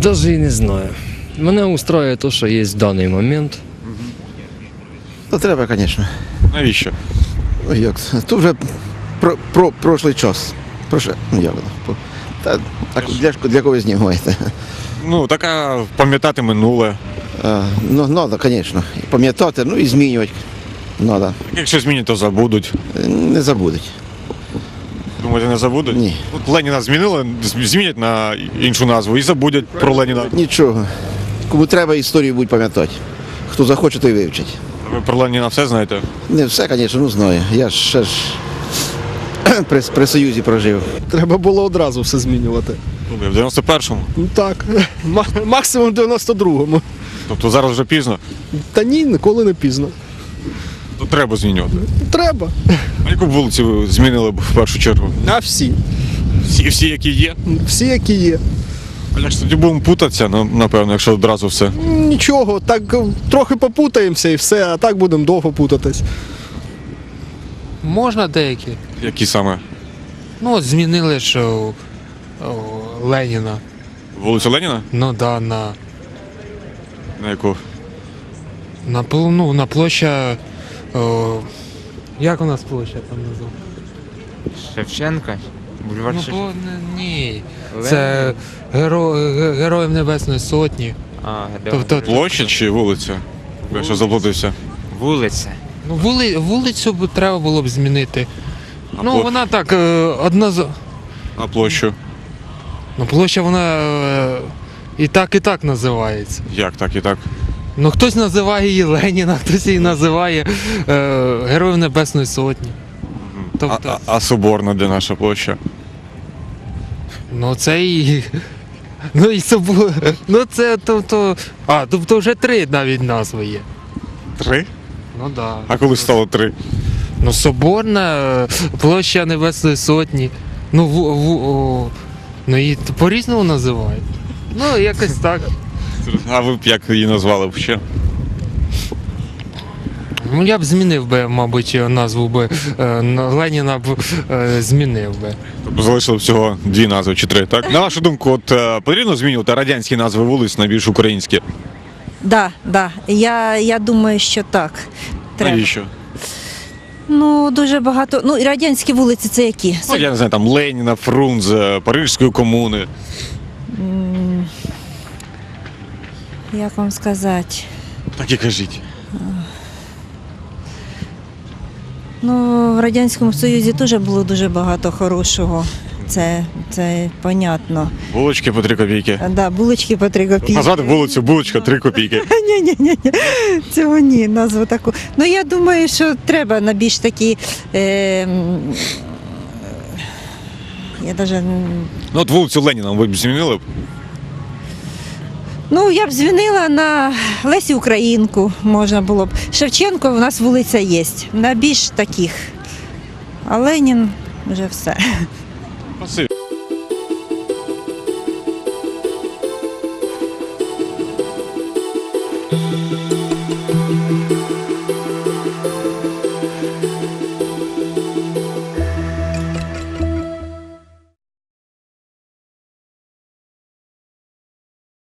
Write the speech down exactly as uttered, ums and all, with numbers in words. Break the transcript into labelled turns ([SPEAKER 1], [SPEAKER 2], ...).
[SPEAKER 1] Навіть і не знаю. Мене устроює те, що є в даний момент.
[SPEAKER 2] Ну, треба, звісно.
[SPEAKER 3] Навіщо?
[SPEAKER 2] Ну, як це? То вже про, про, прошлий час. Прошле, ну, як воно? По- Та, так, для, для кого знімаєте?
[SPEAKER 3] Ну, така пам'ятати минуле.
[SPEAKER 2] А, ну, треба, звісно. Пам'ятати, ну і змінювати. Треба.
[SPEAKER 3] Якщо змінять, то забудуть.
[SPEAKER 2] Не забудуть.
[SPEAKER 3] Думаєте, не забудуть?
[SPEAKER 2] Ні.
[SPEAKER 3] От Леніна змінили, з- змінять на іншу назву і забудуть про Леніна.
[SPEAKER 2] Нічого. Кому треба, історію будуть пам'ятати. Хто захоче, той вивчить.
[SPEAKER 3] Ви про Леніна все знаєте?
[SPEAKER 2] Не все, звісно, ну знаю. Я ж ще ж при, при Союзі прожив.
[SPEAKER 4] Треба було одразу все змінювати.
[SPEAKER 3] Ну, ви в дев'яносто першому.
[SPEAKER 4] Ну так, ма- максимум в дев'яносто другому.
[SPEAKER 3] Тобто зараз вже пізно.
[SPEAKER 4] Та ні, ніколи не пізно.
[SPEAKER 3] То треба змінювати.
[SPEAKER 4] Треба.
[SPEAKER 3] А яку б вулицю ви змінили б в першу чергу?
[SPEAKER 4] А всі.
[SPEAKER 3] Всі, всі які є?
[SPEAKER 4] Всі, які є.
[SPEAKER 3] А як ж тоді будемо путатися, ну, напевно, якщо одразу все.
[SPEAKER 4] Нічого, так е, трохи попутаємося і все, а так будемо довго путатись.
[SPEAKER 5] Можна деякі.
[SPEAKER 3] Які саме?
[SPEAKER 5] Ну, от змінили ж о, о, Леніна.
[SPEAKER 3] Вулицю Леніна?
[SPEAKER 5] Ну да, на,
[SPEAKER 3] На яку?
[SPEAKER 5] на, пл- ну, на площа. О, як у нас площа там називається?
[SPEAKER 6] Шевченка? Бульвар
[SPEAKER 5] Ну,
[SPEAKER 6] Шевченка?
[SPEAKER 5] бо, не- ні. Це геро, ге- Героїв Небесної Сотні.
[SPEAKER 6] А,
[SPEAKER 5] Тобто-
[SPEAKER 3] Площа чи вулиця? Я що заплутався.
[SPEAKER 6] вулиця.
[SPEAKER 5] Ну, вули, вулицю б треба було б змінити.
[SPEAKER 3] А
[SPEAKER 5] Ну,
[SPEAKER 3] пла-
[SPEAKER 5] вона так, е, одна з.
[SPEAKER 3] А площу?
[SPEAKER 5] Ну, площа вона е, і так, і так називається.
[SPEAKER 3] Як так і так?
[SPEAKER 5] Ну, хтось називає її Леніна, хтось її називає е, Героїв Небесної Сотні.
[SPEAKER 3] А,
[SPEAKER 5] Тобто,
[SPEAKER 3] а, а Соборна, де наша площа?
[SPEAKER 5] ну це і. Ну і собу. Ну це тобто. А, тобто вже три навіть назви є.
[SPEAKER 3] Три?
[SPEAKER 5] Ну так. Да.
[SPEAKER 3] А коли стало три?
[SPEAKER 5] Ну, Соборна, е, площа Небесної Сотні. Ну, в, в, о, ну і по-різному називають. Ну, якось так.
[SPEAKER 3] А ви б як її назвали б ще?
[SPEAKER 5] Ну, я б змінив би, мабуть, назву би е, на Леніна б е, змінив би.
[SPEAKER 3] Тобто залишили всього дві назви чи три, так? На вашу думку, от е, потрібно змінювати радянські назви вулиць на більш українські?
[SPEAKER 7] Да, да. Я, я думаю, що так. Треба.
[SPEAKER 3] Навіщо?
[SPEAKER 7] Ну, дуже багато. Ну, і радянські вулиці це які?
[SPEAKER 3] Ну, я не знаю, там Леніна, Фрунзе, Парижської комуни.
[SPEAKER 7] М, Як вам сказати?
[SPEAKER 3] Так і кажіть.
[SPEAKER 7] Ну, в Радянському Союзі теж було дуже багато хорошого. Це, це понятно.
[SPEAKER 3] Булочки по три копійки.
[SPEAKER 7] Да, булочки по три копійки.
[SPEAKER 3] Назвати вулицю булочка три копійки.
[SPEAKER 7] Ні, ні, ні, ні. Цього ні, назву таку. Ну, я думаю, що треба на більш такі. Е, м, я навіть.
[SPEAKER 3] Ну от вулицю Леніна ви б змінили б?
[SPEAKER 7] Ну, я б звінила на Лесі Українку, можна було б. Шевченко у нас вулиця є, на більш таких. А Ленін вже все.
[SPEAKER 3] Спасибі.